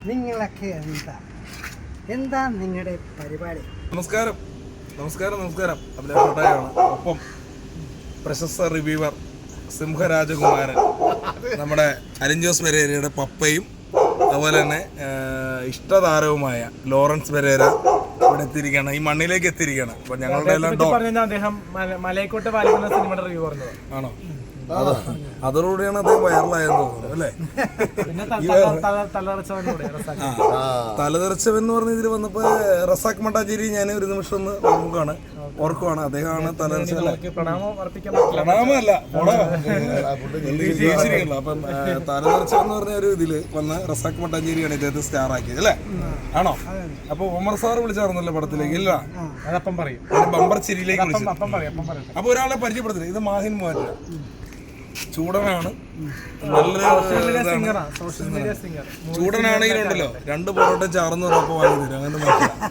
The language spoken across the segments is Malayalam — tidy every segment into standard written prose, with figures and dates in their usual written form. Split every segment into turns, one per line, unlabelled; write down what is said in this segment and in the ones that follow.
നിങ്ങളൊക്കെ എന്താ നിങ്ങളുടെ പരിപാടി?
നമസ്കാരം നമസ്കാരം നമസ്കാരം അഭിലാഷാണ്. ഒപ്പം പ്രശസ്ത റിവ്യൂവർ സിംഹരാജകുമാരൻ നമ്മുടെ അലിൻ ജോസ് പെരേരയുടെ പപ്പയും അതുപോലെ തന്നെ ഇഷ്ടതാരവുമായ ലോറൻസ് പെരേര ഇവിടെ എത്തിയിരിക്കുകയാണ്, ഈ മണ്ണിലേക്ക് എത്തിയിരിക്കുകയാണ്. അപ്പൊ ഞങ്ങളുടെ എല്ലാം
അദ്ദേഹം മലയക്കോട്ടെ വാലിക്കുന്ന സിനിമയുടെ റിവ്യൂ പറഞ്ഞത് ആണോ?
അതോടുകൂടിയാണ് അദ്ദേഹം വൈറലായെന്ന് തോന്നുന്നു അല്ലേ? തലതെറിച്ചവൻ എന്ന് പറഞ്ഞ ഇതിൽ വന്നപ്പോ റസാഖ് മട്ടാഞ്ചേരി ഞാൻ ഒരു നിമിഷം ഒന്ന് നോക്കുകയാണ്, ഓർക്കുവാണ്. അദ്ദേഹമാണ് തലതെറിച്ചല്ല, പ്രണാമല്ല ജയിച്ചിരിക്കണല്ലോ. അപ്പം തലതെറിച്ചെന്ന് പറഞ്ഞ ഒരു ഇതില് വന്ന റസാഖ് മട്ടാഞ്ചേരിയാണ് ഇദ്ദേഹത്തെ സ്റ്റാർ ആക്കിയത് അല്ലേ? ആണോ? അപ്പൊ ഉമർ സാർ വിളിച്ചായിരുന്നല്ലോ പടത്തിലേക്ക്, ഇല്ല
അതപ്പം പറയും,
ബമ്പർ ചിരിയിലേക്ക് വിളിച്ചു. അപ്പൊ ഒരാളെ പരിചയപ്പെടുത്തില്ല, ഇത് മാഹിൻ മൂവാറ്റ ചൂടനാണ്, നല്ലൊരു ചൂടനാണെങ്കിലുണ്ടല്ലോ 2 പൊറോട്ട ചാർന്ന് പറഞ്ഞപ്പോ വാങ്ങി തരും, അങ്ങനെ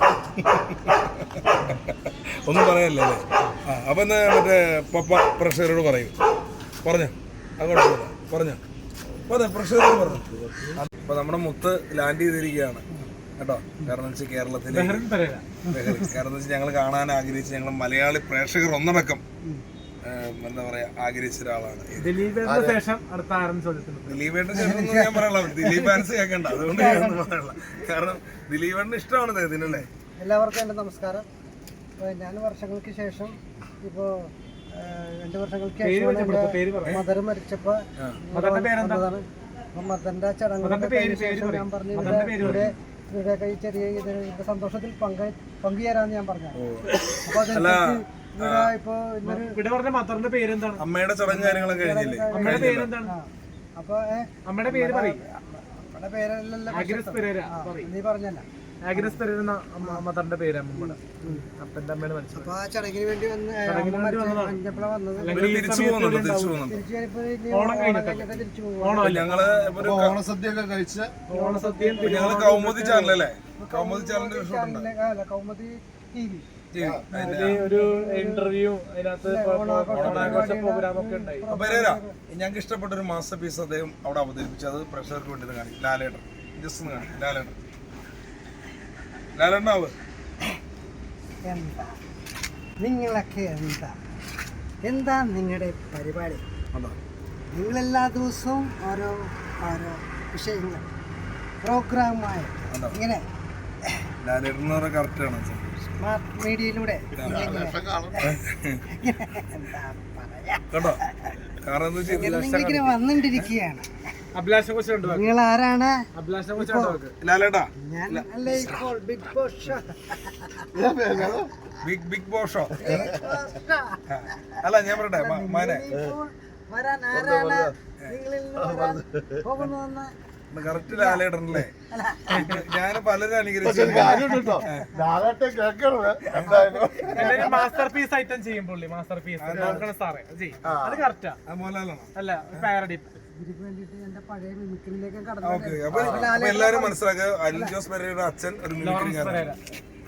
ഒന്നും പറയല്ലേ അല്ലേ? അപ്പൊ എന്നാ മറ്റേ പപ്പ പ്രഷറോട് പറയൂ, പറഞ്ഞോ അങ്ങോട്ട് പറഞ്ഞോ പ്രഷറോട് പറഞ്ഞു. അപ്പൊ നമ്മുടെ മുത്ത് ലാൻഡ് ചെയ്തിരിക്കുകയാണ് കേട്ടോ. കാരണം എന്ന് വെച്ചാൽ കേരളത്തിലെ കാരണം എന്ന് വെച്ചാൽ ഞങ്ങൾ കാണാൻ ആഗ്രഹിച്ച് ഞങ്ങൾ മലയാളി പ്രേക്ഷകർ ഒന്നടക്കം എന്താ പറയാ ആഗ്രഹിച്ച ഒരാളാണ്.
ദിലീപേട്ടന് ശേഷം
ഞാൻ പറയാനുള്ള ദിലീപ് ഫാൻസ് കേൾക്കണ്ട, അതുകൊണ്ട് ഞാനൊന്നും പറയാനുള്ള. കാരണം ദിലീപേട്ടന് ഇഷ്ടമാണ് ഇതിനല്ലേ.
എല്ലാവർക്കും എൻ്റെ നമസ്കാരം. ഞാൻ വർഷങ്ങൾക്ക് ശേഷം ഇപ്പോ 2 വർഷങ്ങൾക്ക് ശേഷം മദർ മരിച്ചപ്പോ മദറിന്റെ ചടങ്ങുകൾ ഞാൻ പറഞ്ഞു ഇവിടെ ചെറിയ ഇതിന്റെ സന്തോഷത്തിൽ പങ്കുചേരാന്ന് ഞാൻ പറഞ്ഞു. അപ്പൊ
അമ്മയുടെ ചടങ്ങ് കാര്യങ്ങളൊക്കെ കഴിഞ്ഞില്ലേ?
അമ്മയുടെ പേരെന്താണ്?
അപ്പൊ
അമ്മയുടെ പേര് പറയും.
അമ്മയുടെ പേരല്ലല്ലോ നീ പറഞ്ഞല്ല.
ആഗ്രസ് പെരേര മദറിന്റെ പേര് അമ്മയുടെ അപ്പന്റെ അമ്മയുടെ മരിച്ചത്.
അപ്പൊ ആ ചടങ്ങിന് വേണ്ടി വന്ന്
ഓണസദ്യ കഴിച്ച് കൗമുദി ചാനലല്ലേ, കൗമുദി ചാനലിന്റെ
കൗമുദി TV
ഒരു ഇന്റർവ്യൂ അതിനകത്ത് പ്രോഗ്രാം ഒക്കെ ഉണ്ടായി.
ഞങ്ങൾക്ക് ഇഷ്ടപ്പെട്ട ഒരു മാസ്റ്റർ പീസ് അദ്ദേഹം അവിടെ അവതരിപ്പിച്ചു, അത് പ്രേക്ഷകർക്ക് വേണ്ടി കാണിക്കും. ലാലേട്ടൻ ജസ്റ്റ് ഒന്ന് കാണിക്കും. ലാലേട്ടനാവ്
നിങ്ങളൊക്കെ എന്താ നിങ്ങളുടെ പരിപാടി? നിങ്ങളെല്ലാ ദിവസവും ഓരോ വിഷയങ്ങൾ പ്രോഗ്രാമായി ഇങ്ങനെ
ലാലേട്ടൻ എന്ന് പറഞ്ഞാൽ കറക്റ്റാണ്
മീഡിയയിലൂടെ
കേട്ടോ. കാരണം
ഇങ്ങനെ വന്നിട്ടിരിക്കുകയാണ്.
നിങ്ങൾ
ആരാണ്?
ലാലേട്ടാ
ഞാൻ അല്ലേ ഇപ്പോൾ ബിഗ് ബോസ്
ബിഗ് ബോഷോ അല്ല, ഞാൻ പറയട്ടെ മാനെ
വരാൻ ആരാണ് നിങ്ങളിൽ പോകുന്നതെന്ന്
കറക്റ്റ് ലാലേട്ടനല്ലേ? ഞാൻ പലരും അനുകരിച്ചു.
മാസ്റ്റർ പീസ് ഐറ്റം ചെയ്യും പുള്ളി, മാസ്റ്റർ പീസ് സാറേ അത് കറക്റ്റാ. അല്ല പാരഡി
എല്ലാരും മനസ്സിലാക്കുക. അലിൻ ജോസ് പെരേരയുടെ അച്ഛൻ ഒരു മിമിക്രിക്കാരനാണ്.